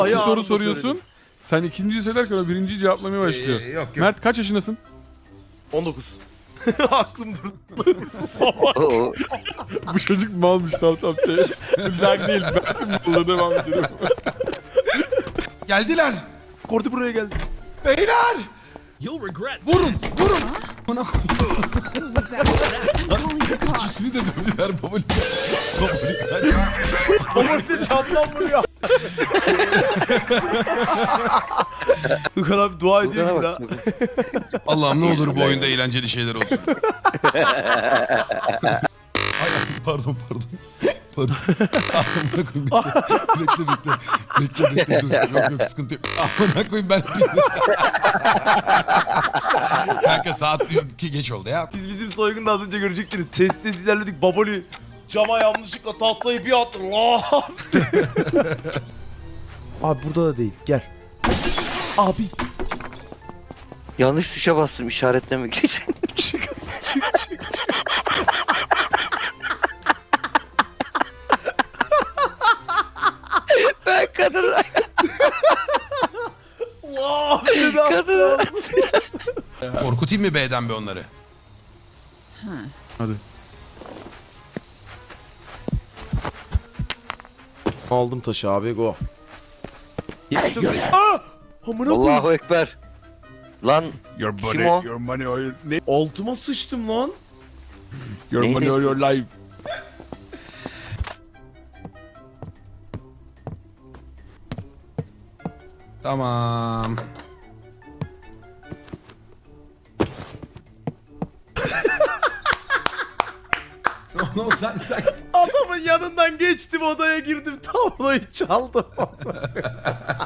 İki soru anında soruyorsun. söyledim. Sen ikinciyi söylerken o birinciyi cevaplamaya başlıyor. Yok yok. Mert kaç yaşındasın? 19. Aklım durdu. Oo. Bu çocuk malmış tamam. Lag değil. Mert'in malına devam edelim. Geldiler. Kordi buraya geldi. Beyler. You'll regret. Vurun. Vurun. Bana Was that? Calling the cops. ikisini de dövdüler babali. Babali kaç. Komodide çantam vuruyor. Tukan abi dua ediyor gibi Bak. daha. Allah'ım ne olur bu oyunda eğlenceli şeyler olsun. Ay pardon. Pardon. Amına koyayım bekle. Dur. Yok sıkıntı yok. Amına koyayım ben. Kanka saat 2 geç oldu ya. Siz bizim soygunu az önce görecektiniz. Sessiz ilerledik. Baboli cama yanlışlıkla tahtayı bir attı. Lan! Abi burada da değil. Gel. Abi. Yanlış tuşa bastım işaretlemek için. Çık. Ben kadın. Lan! Kadın. Korkutayım mı B'den be onları? Hadi. Aldım taşı abi go. Aa! Amına koyayım. Allahu Ekber. Lan Your Kim body, o? your money, or your name, Altıma sıçtım lan. your Neydi? money or your life. Tamam. Ne oldu sen? Adamın yanından geçtim odaya girdim. Tabloyu çaldım.